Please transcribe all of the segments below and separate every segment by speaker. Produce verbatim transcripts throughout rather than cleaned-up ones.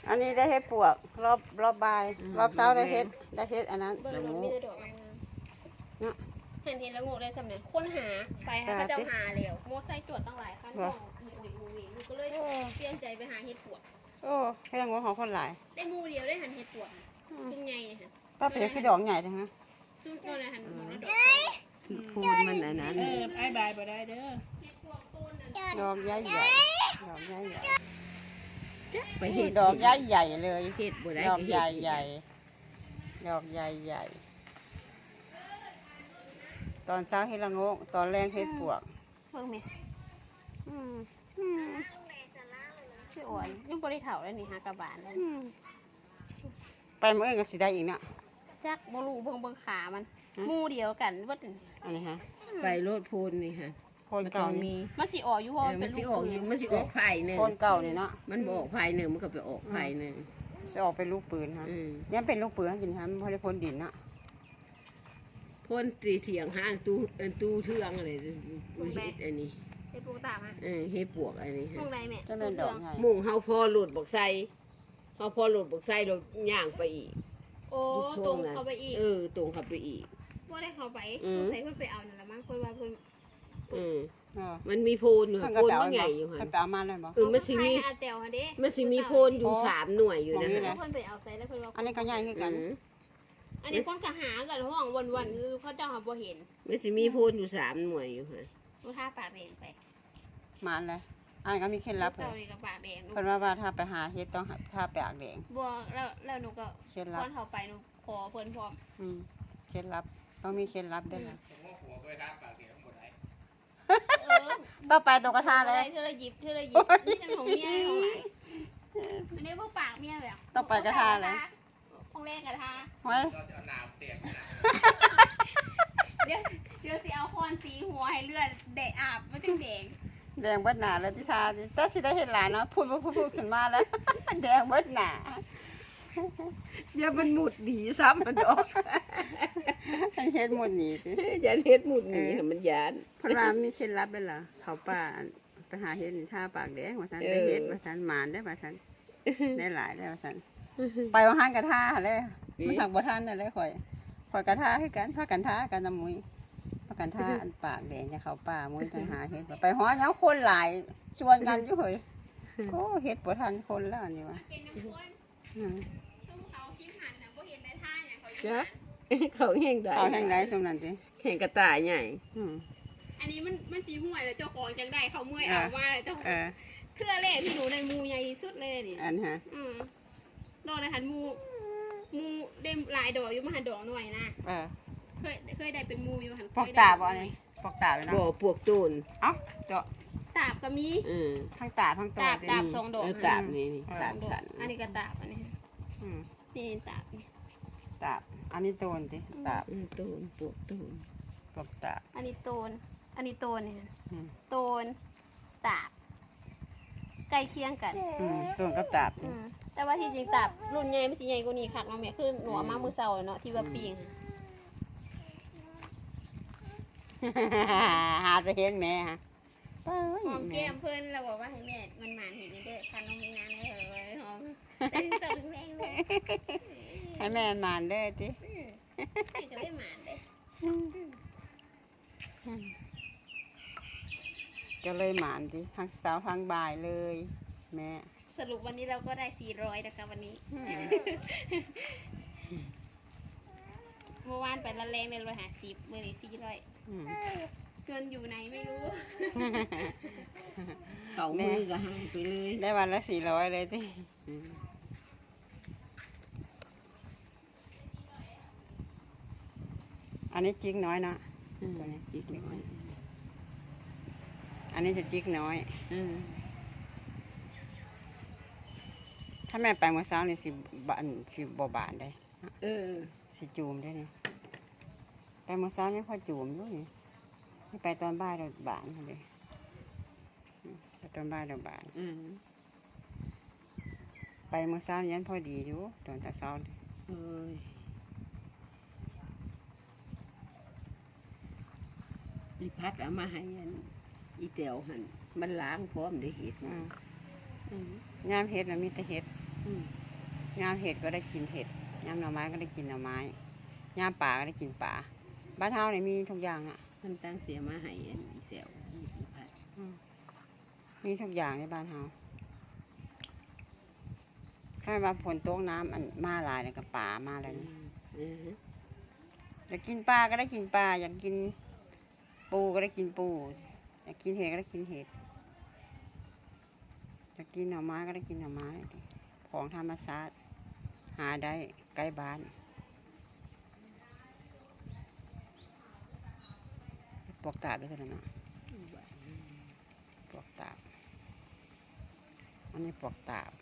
Speaker 1: อันนี้ได้เฮ็ดปวกรอบรอบบ่ายรอบเช้าได้เฮ็ดได้เฮ็ดอันนั้น
Speaker 2: เบิ่งมันมีแต่ดอกเนาะเห็นเห็นแล้วงูได้สำเร็จค้นหาไปหาพระเจ้าหาแล้วโมไซตรวจตั้งหลายครั้งก็อุ้ยอุ้ยลูกก็เลยเปลี่ยนใจไปหาเห็ดปวก
Speaker 1: โอ้ให้ละงูของคนหลาย
Speaker 2: ได้มูเดียวได้หันเห็ดปวกซุ้มใหญ่ค่ะ
Speaker 1: ป้าเปียคือดอกใหญ่จังฮะ
Speaker 2: ซุ้มโน่นหันมองแล้วดอก
Speaker 3: พูดมันอันนั้น
Speaker 2: เออไอ้บายบ่ได้เด้อเห็ดปวกต้น
Speaker 1: ดอกใหญ่ใหญ่ดอกใหญ่ใหญ่
Speaker 3: ไปเห็ด
Speaker 1: ดอกใหญ่ใหญ่เลย
Speaker 3: เห็ดบ่ได้
Speaker 1: ดอกใหญ่ใหญ่ดอกใหญ่ใหญ่ตอนเช้าเฮ็ดละงูตอนแรงเฮ็ดปวก
Speaker 2: เบิ่งมั้ย
Speaker 1: อืม
Speaker 2: สิอ่อนยังบ่ได้เฒ่าแล้วนี่หากระบาลแล้ว
Speaker 1: ไปมื้ออื่นก็สิได้อีกเนาะ
Speaker 2: จักบ่รู้เบิ่งเบิ่งขามันหมู่เดียวกันเบิด
Speaker 1: อันนี้ฮะ
Speaker 3: ไปโลดพูนนี่ฮะ
Speaker 1: โคนเก่ามี
Speaker 2: มันสิออกอยู่เพราะ
Speaker 3: มันสิออกอยู่มันสิออกไผ่หนึ่ง
Speaker 1: โคนเก่านี่เนาะ
Speaker 3: มันบ่ออกไผ่หนึ่งมันก็ไปออกไผ่หนึ่ง
Speaker 1: สิออกเป็นลูกปืนฮะยังเป็นลูกปืนให้กินฮะมันบ่ได้พ่นดินเนาะ
Speaker 3: พ่นตีเถียงห้างตู้เอ็นตู้เทืองอะไรเฮ็ดอันนี้
Speaker 2: เฮ็ดปวกตามฮะ
Speaker 3: เออเฮ็ดปวกอันนี้ฮะ
Speaker 2: มุ่งใดแม่
Speaker 1: จะเป็นดอกใหญ่
Speaker 3: มุ่งเฮาพอหลุดบักไซเฮาพอหลุดบักไซเราย่างไปอีก
Speaker 2: โอ้ตรงเข้าไปอีก
Speaker 3: เออตรงเข้าไปอีก
Speaker 2: บ่ได้เข้าไปสงสัยเพิ่นไปเอานั่นล่ะมั้งเพิ่นว่าเพิ่น
Speaker 3: อืมมันมีโพนอยู่โพนมันใหญ่อยู่ค่ะ
Speaker 1: เพิ่นไปเอามาเลยบ่
Speaker 3: เออมันสิมีมันสิมีโพนอยู่สามหน่วยอยู่นะ
Speaker 2: เพิ่นไปเอาใส่แล้วเพิ่นว่า
Speaker 1: อันนี้ก็ใหญ่คือกัน
Speaker 2: อันนี้คนก็หากันห้องวันๆคือเขาเจ้าหาบ่เห็น
Speaker 3: มันสิมีโพนอยู่สามหน่วยอยู่ค่ะ
Speaker 2: บ่ท่าปากแดงไป
Speaker 1: มาเลยอันนี้ก็มีเคล็ดลับเลยเพิ่นว่าว่าถ้าไปหาเฮ็ดต้องถ้าปากแดง
Speaker 2: บ่แล้วแล้วหนูก็
Speaker 1: เคล็ดลับ
Speaker 2: ตอนเข้าไปหนูขอเพิ่นพร้อม
Speaker 1: อืมเคล็ดลับต้องมีเคล็ดลับด้วยนะต่อไปตรงกระทะเลย
Speaker 2: เธอละหยิบเธอละหยิบนี่เป็นของเมียของหลายอันนี้พวกปากเมียเลย
Speaker 1: ต่อไปกระทะเลย
Speaker 2: ของแรกกระทะ
Speaker 1: ไว้
Speaker 2: เดี๋ยวเดี๋ยวสิเอาค้อนตีหัวให้เลือดแดงอาบมันจึงแดง
Speaker 1: แดงเบิดหนาแล้วที่ทาแต่สิได้เห็นหลานเนาะพูดพูดพูดขึ้นมาแล้วแดงเบิดหนา
Speaker 3: อย่ามันหมุดหนีซ้ำมันออก
Speaker 1: เฮ็ดหมุดหนีสิ
Speaker 3: อย่าเฮ็ดหมุดหนีมันยาน
Speaker 1: เพราะว่ามีเคล็ดลับเป็นเหรอเขาป้าไปหาเฮ็ดท่าปากแดงว่าซั่นได้เฮ็ดว่าซั่นหมานได้ว่าซั่นได้หลายได้ว่าซั่นไปว่าห้างกระทาเลยมันหักบ่ทันได้ข่อยข่อยกระทาคือกันพากันทากันน้ำมุ้ยพากันทาอันปากแดงจะเข้าป่ามุ้ยจังหาเฮ็ดไปฮ้อยังคนหลายชวนกันอยู่เฮ้ยโอ้เฮ็ดบ่ทันคนแล้วนี่ว่า
Speaker 3: จ้ะเขาแห้งได้
Speaker 1: เขาแห้งได้สมนั่นสิ
Speaker 3: แห้งกระต่ายใหญ่
Speaker 2: อันนี้มันมันสีห่วยแล้วเจ้าของจังได้เขาเมื่อยเอาว่าเจ้าเทื่อแรกที่หนูในมูใหญ่สุดเลยนี่
Speaker 1: อันฮะ
Speaker 2: อืมดอกในหันมูมูได้หลายดอกอยู่มาหันดอกหน่อยนะเคยเคยได้เป็นมูอยู่หัน
Speaker 1: ปอกตาบ่นี่ปอกตาเลยนะ
Speaker 3: บ่ปวกตูน
Speaker 1: เอ้าเจาะ
Speaker 2: ตาบก็มี
Speaker 1: ทั้งตาทั้งตัว
Speaker 2: ตาบตาบสองดอก
Speaker 3: ตาบนี่นี่สามสัน
Speaker 2: อันนี้ก็ตาบอันนี้นี่ตาบ
Speaker 1: ตาบอันนี้โตนสิตาบ
Speaker 3: โตนปวกตูน
Speaker 1: ปอกตาบ
Speaker 2: อันนี้โตนอันนี้โตนเนี่ยโตนตาบใกล้เคียงกัน
Speaker 1: โตนกับตาบ
Speaker 2: แต่ว่าที่จริงตาบรุ่นใหญ่ไม่ใช่ใหญ่กว่านี้ค่ะน้องแม่คือหนูมามือเสาเนาะที่ว่าปีง
Speaker 1: หาจะเห็นแม่ฮะ
Speaker 2: หอมแก้มเพื่อนเราบอกว่าให้แม่มันหมานเห็นเด้อคันน้องมีงานเลยเหรอหอมแต่ที่สุดแม่
Speaker 1: ให้แม่หมานเด้อจิ
Speaker 2: ก็ได้หมานเด้
Speaker 1: ก็เลยหมานดิทั้งเช้าทั้งบ่ายเลยแม่
Speaker 2: สรุปวันนี้เราก็ได้สี่ร้อยนะคะวันนี้เมื่อวานไปละแรงในร้อยห้าสิบเมื่อนี้สี่ร้อยเกินอยู่ไหนไม่รู้
Speaker 3: เขามือก็หายไปเลย
Speaker 1: ได้วันละสี่ร้อยเลยที่อันนี้จิกน้อยนะตัวนี้จิกน้อยอันนี้จะจิกน้อยถ้าแม่ไปเมื่อเช้านี่สิบานสิบบาบานได้
Speaker 3: เออ
Speaker 1: สิจูมได้เนี่ยไปเมื่อเช้านี่พอจูมด้วยนี่ไม่ไปตอนบ่ายเราบานเลยไปตอนบ่ายเราบานไปเมื่อเช้ายันพอดีอยู่ตอนแต่เช้าเลย
Speaker 3: อีพัดเอามาให้อีเตียวหันมันล้างพร้อมได้เห็ด
Speaker 1: งามเห็ดนะมีแต่เห็ดอืมยามเห็ดก็ได้กินเห็ดยามหน่อไม้ก็ได้กินหน่อไม้ยามป่าก็ได้กินป่าบ้านเฮาเนี่ยมีทุกอย่างอ่ะ
Speaker 3: มันตั้งเสียมาให้อันนี้เสียว
Speaker 1: อืมมีทุกอย่างในบ้านเฮาถ้าว่าฝนตกน้ำอันมาหลายเนี่ยก็ป่ามาอะไรนี่
Speaker 3: เออ
Speaker 1: อยากกินปลาก็ได้กินปลาอยากกินปูก็ได้กินปูอยากกินเห็ดก็ได้กินเห็ดอยากกินหน่อไม้ก็ได้กินหน่อไม้ของธรรมชาติหาได้ใกล้บ้านปลวกตาบด้วยกันนะปลวกตาบอันนี้ปลวกตาบ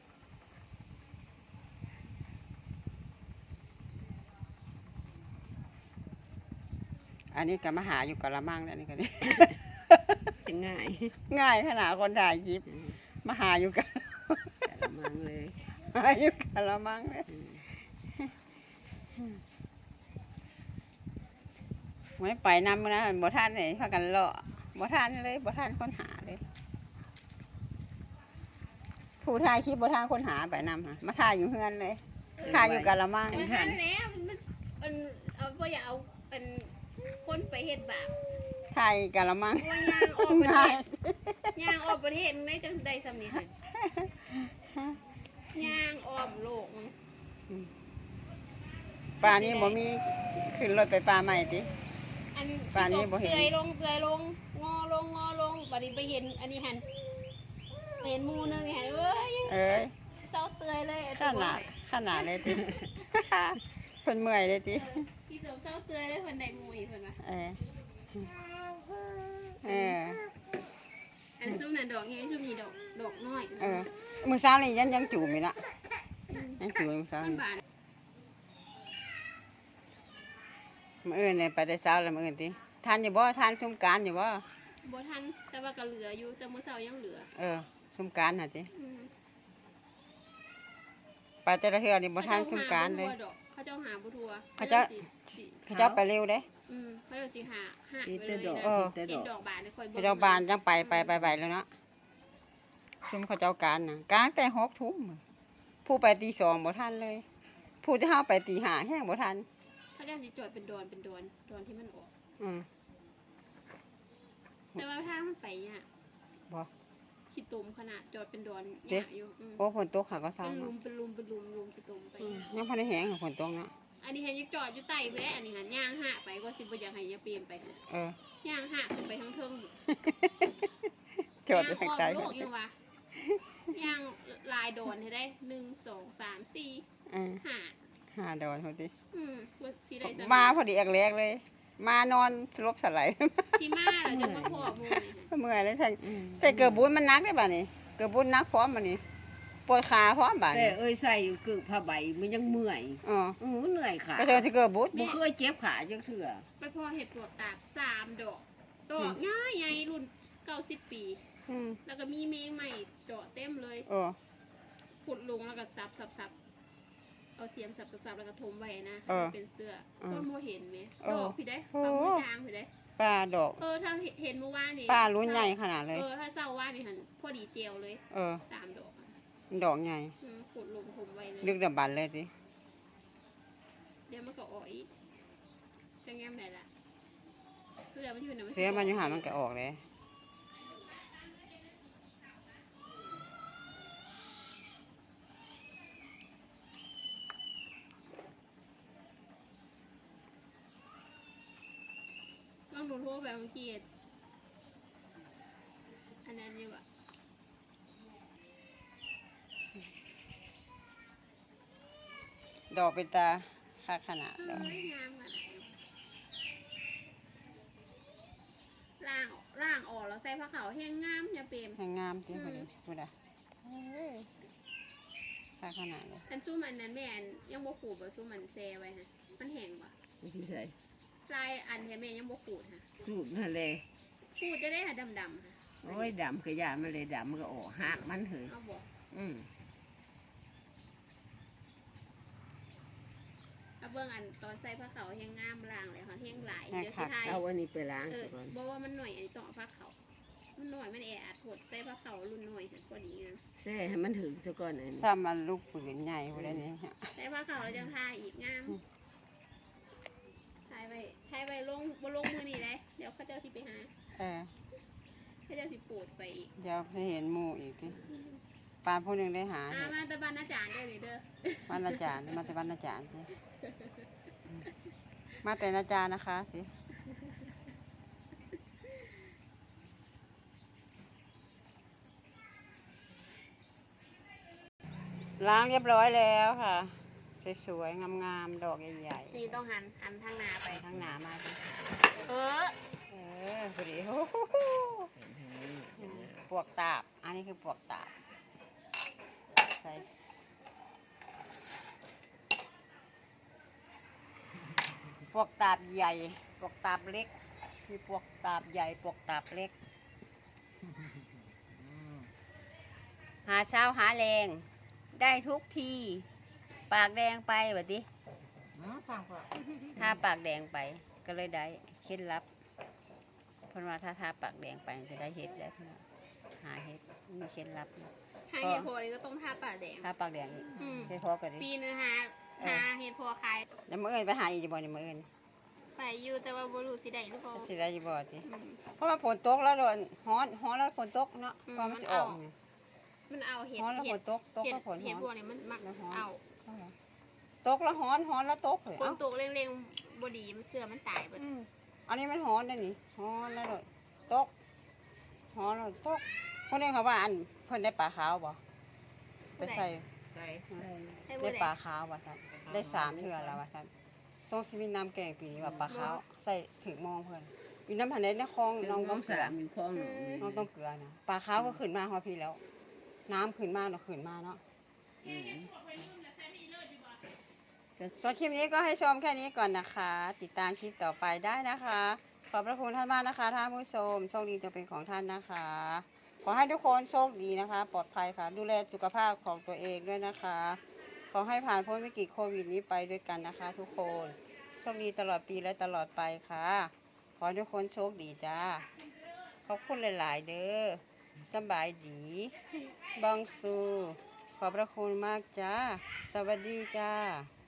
Speaker 1: อันนี้ก็มาหาอยู่กะละมังแล้วนี่ก็นี่
Speaker 3: จะง่าย
Speaker 1: ง่ายขนาดคนถ่ายคลิปมาหาอยู่กัน
Speaker 3: แต่ละมังเลย
Speaker 1: หาอยู่กะละมังเลยไม่ไปนำนะบ่ท่านเลยพากันเลาะบ่ท่านเลยบ่ท่านคนหาเลยผู้ถ่ายคลิปบ่ท่านคนหาไปนำค่ะมาถ่ายอยู่เฮือนเลยถ่ายอยู่กะละมัง
Speaker 2: มันทันแล้วมันมันเอาบ่อยากเอาเป็นคนไปเฮ็ดบาป
Speaker 1: ถ่ายกะละมัง
Speaker 2: ว่ายางออกประเท
Speaker 1: ง่าย
Speaker 2: ศยางออกประเทศได้จังได้สำนีค่ะยางอ้อมโลกมัน
Speaker 1: ปลานี้บ่มีขึ้นรถไปปลาใหม่ติ
Speaker 2: อัน
Speaker 1: ป่านนี้บ่เห็น
Speaker 2: เปื่อยลงเปื่อยลงงอลงงอลงบัดนี้ไปเห็นอันนี้หันไปเห็นหมูนึงนี่หันเอ้ย
Speaker 1: เอ้ย
Speaker 2: เศร้าเตือยเลยไอ้
Speaker 1: ข
Speaker 2: ตัว
Speaker 1: นาดขนาดเลยติ เพิ่นเมื่อยเลยติ
Speaker 2: เออพี่เสาวเศร้าเตือยเลยเพิ่นได้หมูอีกเพิ่นว่า
Speaker 1: เออเออ
Speaker 2: อันซุ่มนั่นดอกใหญ่ซุ่มนี่ดอกดอกน้อย
Speaker 1: เออมื้อเช้านี่ยังยังจูบอยู่นะยังจูบมื้อเช้า
Speaker 2: มัน
Speaker 1: นี่
Speaker 2: บาน
Speaker 1: มื้ออื่นเนี่ยไปแต่เช้าแล้วมื้ออื่นติทานอยู่บ่ทานสงกรานต์อยู่บ่
Speaker 2: บ่ทันแต่ว่าก็เหลืออยู่แต่มื้อเช้ายังเหลือ
Speaker 1: เออสงกรานต์น่ะติ
Speaker 2: อืม
Speaker 1: ไปแต่ละเทื่อนี่บ่ทานสงกรานต์เลย
Speaker 2: เขาเจ้าหาบ่ทัว
Speaker 1: เขาเจ้า
Speaker 2: สิสิ
Speaker 1: เขาเจ้าไปเร็วเด้
Speaker 2: อืมเขาเจ้าสิหาหา
Speaker 3: อี
Speaker 2: ไป
Speaker 3: แต่
Speaker 2: เลย
Speaker 3: ดอก
Speaker 2: นะ
Speaker 1: เออ
Speaker 3: แต่
Speaker 2: เห็
Speaker 3: ด
Speaker 2: น
Speaker 3: อก
Speaker 2: ดอกบานเนี่ยค่อย
Speaker 1: ไปโรงพยาบาลจังไปไปไปไปแล้วเนาะชุมเขาเจ้าการน่ะกลางแต่หกทุ่มผู้ไปตีสองบ่ทันเลย ผู้ที่เฮาไปตีห้าแห้งบ่ทัน
Speaker 2: เขาเจ้าสิจอดเป็นดอนเป็นดอนดอนที่มันออก
Speaker 1: อืม
Speaker 2: แต่ว่าทางมันไปเนี่ย
Speaker 1: บ่
Speaker 2: ขี้ตุ่มขนาดจอดเป็นดอน
Speaker 1: เจ๊
Speaker 2: หยาอยู่อืม
Speaker 1: โอ้ฝนตกค่ะก็เศร้า
Speaker 2: เป็นลุ
Speaker 1: เนาะ
Speaker 2: มเป็นลุมเป็นลุมลุมขี้ตุ่มไป
Speaker 1: อืมยังพอได้แห้งค่ะฝนตกเนาะ
Speaker 2: อันนี้เห็นยังจอดอยู่ใต้แวะอันนี้หันย่างหะไปก็สิบ่อยากให้ยาเปลี่ยนไปหั่น
Speaker 1: เออย่าง
Speaker 2: หะขึ้นไปทั้งเทิง
Speaker 1: จอดอยู่ทางใต้
Speaker 2: ย่างอ้อมโลกยังวะย่างลายดอนให้ได้หนึ่งสองสามสี่
Speaker 1: เออ
Speaker 2: ห้า
Speaker 1: หาดอนพอดี
Speaker 2: อืมว่าสิได้สัก
Speaker 1: มาพอดีแรกๆเลย มานอนสลบสลาย
Speaker 2: สิมาแล้วจะมาพอหมูนี่หั่น
Speaker 1: เมื่อยเลยใส่ใส่เกือบบุญมันนักได้ป่ะนี่เกือบบุญนักพร้อมมานี่ปวดขาพร้อมบ่า
Speaker 3: แต่
Speaker 1: นี่
Speaker 3: เอ้ยใส่กึกผ้าใบมันยังเมื่อย
Speaker 1: อ๋อ
Speaker 3: อือเหนื่อยขา
Speaker 1: ก็เจอที่เกือบบุญ
Speaker 3: บ่เคยเจ็บขาจังเทื่อ
Speaker 2: ไปพอเห็ดปลวกตากสามดอกดอกง่ายใหญ่รุ่นเก้าสิบปี
Speaker 1: อืม
Speaker 2: แล้วก็มีเมงใหม่เจาะเต็มเลย
Speaker 1: โอ้
Speaker 2: ขุดลงแล้วก็ซับซับซับเอาเสียมสับสับสับแล้วก็ทมไว้นะเป็นเสื้อก็โมเห็นไหมดอกพี่ได้ปลาหมูจางพี่ได้
Speaker 1: ป้าดอก
Speaker 2: เออถ้าเห็นเมื่อวานนี่
Speaker 1: ป้ารุ่นใหญ่ขนาดเลย
Speaker 2: เออถ้าเศร้าว่านี่หันพอดีเจลเลย
Speaker 1: เออ
Speaker 2: สามดอก
Speaker 1: ดอกใหญ่
Speaker 2: อืมขุดลงทมไว้เลย
Speaker 1: ลึกดำบันเลยสิ
Speaker 2: เดี๋ยวมันก็ออกอีกจะแง้มไหนล่ะเสื้อมันอยู่ไหน
Speaker 1: เสียมันอยู่หามันก็ออกเลย
Speaker 2: ต้องหนูโทรไปเมื่อกี้อันนั้นอยู่อะ
Speaker 1: ดอกเป็นตาค่าขนาด
Speaker 2: เอ้
Speaker 1: ดอก
Speaker 2: ยงามขนาดนี้ล่างล่างออกแล้วใส่ผ้าขาวแห้งงามอย่าเปรม
Speaker 1: ให้งามจริงพอดีพูดอ่ะค่าขนาดเลย
Speaker 2: อันสู้มันนั้นแม่อันยังบ่ขูดบ่สู้มันแซ่ไว้ฮะมันแห้งบ่
Speaker 3: ไม่ใช่ใส่
Speaker 2: ลายอันแท้แม่ยังบ่ขูดฮะ
Speaker 3: สูตรนั่นเลย
Speaker 2: ขูดจะได้หาดำๆฮะ
Speaker 3: โอ้ยดำกระยามันเลยดำมันก็ออกหักมันเหย
Speaker 2: เอาบ่
Speaker 3: อืม
Speaker 2: เอาเบิ่งอันตอนใส่ผ้าขาวแห้งงามล่างเลยค่ะแห้งหลายเดี๋ยวสิทาย
Speaker 3: เอาอันนี้ไปล้าง
Speaker 2: เอ
Speaker 3: ซะ
Speaker 2: อ
Speaker 3: ก่อน
Speaker 2: บ่ว่ามันหน่อยอันนี้ต้องเอาผ้าขาวมันหน่อยมันแออัดหดใส่ผ้าขาวรุ่นหน่อยพอดีนะ
Speaker 3: แซ่ให้มันถึงซะก่อนอัน
Speaker 1: ซ้ำมันลูกปืนใหญ่พวกนี้
Speaker 2: ใส่ผ้าขาวแล้วจะทาอีกงามถ่ายไปถ่ายไปลงบนลงมือนี่เลยเดี๋ยวเขาเจ้าสิไปหา
Speaker 1: เออ
Speaker 2: เขาเจ้าสิปูดไปอีก
Speaker 1: เดี๋ยวจะเห็นหมู่อีกพี่ปานผู้หนึ่งได้หา
Speaker 2: อ่า
Speaker 1: เห็ด
Speaker 2: มาตะบันอาจารย์เด้อนี่เด้อ
Speaker 1: วันอาจารย์มาแต่วันอาจารย์สิมาแต่อาจารย์นะคะสิล้างเรียบร้อยแล้วค่ะสวยๆงามๆดอกใหญ่
Speaker 2: นี่ต้องหันหันทางหน้า
Speaker 1: ๆ
Speaker 2: ไป
Speaker 1: ไปทางหนามาสิ
Speaker 2: เออ
Speaker 1: เออพอดีโอ้โหปวกตาบ อันนี้คือปวกตาบใส่ปวกตาบใหญ่ปวกตาบเล็กมีปวกตาบใหญ่ปวกตาบเล็ก หาเช้าหาแรงได้ทุกทีปากแดงไปแบบนี้ถ้าปากแดงไปก็เลยได้เคล็ดลับเพราะว่าถ้าทาปากแดงไปจะได้เห็ดได้เพื่อนหาเห็ดมีเคล็ดลับ
Speaker 2: หาเห็ดโพนี่ก็ต้องทาปากแดง
Speaker 1: ถ้าปากแดงนี่
Speaker 2: อืม
Speaker 1: เห็ดพอกันดิ
Speaker 2: ปีนึงหาหาเห็ดโพคาย
Speaker 1: แล้วมื่อเอินไปหาอีกบ่เนี่ยมื่อเอิน
Speaker 2: ไปอยู่แต่ว่าบ่รู้สิได้หรือเปล่า
Speaker 1: สิได้อยู่บ่ติ
Speaker 2: อืม
Speaker 1: เพราะว่าฝนตกแล้วโดนฮ้อนฮ้อนแล้วฝนตกเนาะ
Speaker 2: อืม
Speaker 1: เพราะมันสิออกนี่
Speaker 2: มันเอาเห็ด
Speaker 1: ฮ้อนแล้ว
Speaker 2: เห็
Speaker 1: ฝ
Speaker 2: ด
Speaker 1: นตกตก
Speaker 2: เห็ด
Speaker 1: แล้วฝน
Speaker 2: เห็ดพ
Speaker 1: ฮ้
Speaker 2: ว
Speaker 1: อก น
Speaker 2: นี้มันมัก
Speaker 1: แล้วฮ้อน
Speaker 2: เอา
Speaker 1: ตกแล้วฮ้อนฮ้อนแล้วตกเลย
Speaker 2: ฝน
Speaker 1: เอ้า
Speaker 2: ตกเร่งๆบดีมันเสื่อมันตายเบิด
Speaker 1: อืมอันนี้มันฮ้อนได้นี่ฮ้อนแล้วโดนตกฮ้อนแล้วตกคนนี้เขาว่าอันเพิ่นได้ปลาขาวบ่ไปใส่
Speaker 2: ให้
Speaker 1: ได้
Speaker 2: บ่
Speaker 1: ป
Speaker 2: ได้
Speaker 1: ลาขาวว่าซั่นได้สามเทื่อแล้วว่าซั่นทรงสิมีน้ำแกงปีนี้ว่าปลาขาวใส่ถึงมองเพิ่นอยู่น้ำหันในคลอง
Speaker 3: น้
Speaker 1: น้
Speaker 3: อ
Speaker 1: อง ง
Speaker 3: ต้
Speaker 1: ต้
Speaker 3: อ
Speaker 1: อง ง
Speaker 3: สา
Speaker 1: เสือ
Speaker 3: มอยู่คลองหนองนี่
Speaker 1: น้องต้องเกลือนะปลาขาวก็ขึ้นมาฮอพี่แล้ว น้ำขึ้นมาเนาะขึ้นมาเนาะส่วนคลิปนี้ก็ให้ชมแค่นี้ก่อนนะคะ ติดตามคลิปต่อไปได้นะคะ ขอบพระคุณท่านมากนะคะท่านผู้ชมโชคดีจะเป็นของท่านนะคะ ขอให้ทุกคนโชคดีนะคะ ปลอดภัยค่ะ ดูแลสุขภาพของตัวเองด้วยนะคะ ขอให้ผ่านพ้นวิกฤตโควิดนี้ไปด้วยกันนะคะ ทุกคนโชคดีตลอดปีและตลอดไปค่ะ ขอให้ทุกคนโชคดีจ้า ขอบคุณหลาย ๆ เด้อสบายดีบังสูขอบพระคุณมากจ้า สวัสดีจ้า